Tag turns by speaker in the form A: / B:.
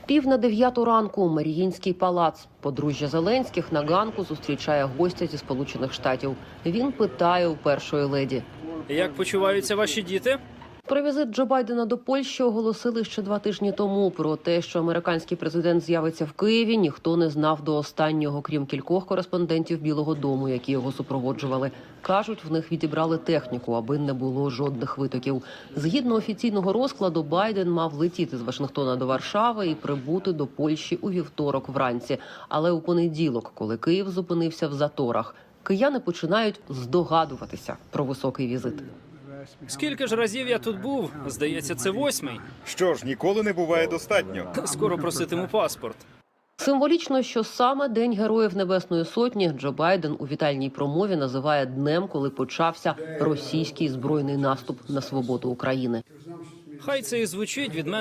A: 8:45 ранку. Маріїнський палац. Подружжя Зеленських на ганку зустрічає гостя зі Сполучених Штатів. Він питає у першої леді.
B: Як почуваються ваші діти?
A: Про візит Джо Байдена до Польщі оголосили ще 2 тижні тому. Про те, що американський президент з'явиться в Києві, ніхто не знав до останнього, крім кількох кореспондентів Білого дому, які його супроводжували. Кажуть, в них відібрали техніку, аби не було жодних витоків. Згідно офіційного розкладу, Байден мав летіти з Вашингтона до Варшави і прибути до Польщі у вівторок вранці. Але у понеділок, коли Київ зупинився в заторах, кияни починають здогадуватися про високий візит.
B: Скільки ж разів я тут був? Здається, це 8-й.
C: Що ж, ніколи не буває достатньо.
B: Скоро проситиму паспорт.
A: Символічно, що саме День Героїв Небесної Сотні Джо Байден у вітальній промові називає днем, коли почався російський збройний наступ на свободу України.
B: Хай це і звучить від мене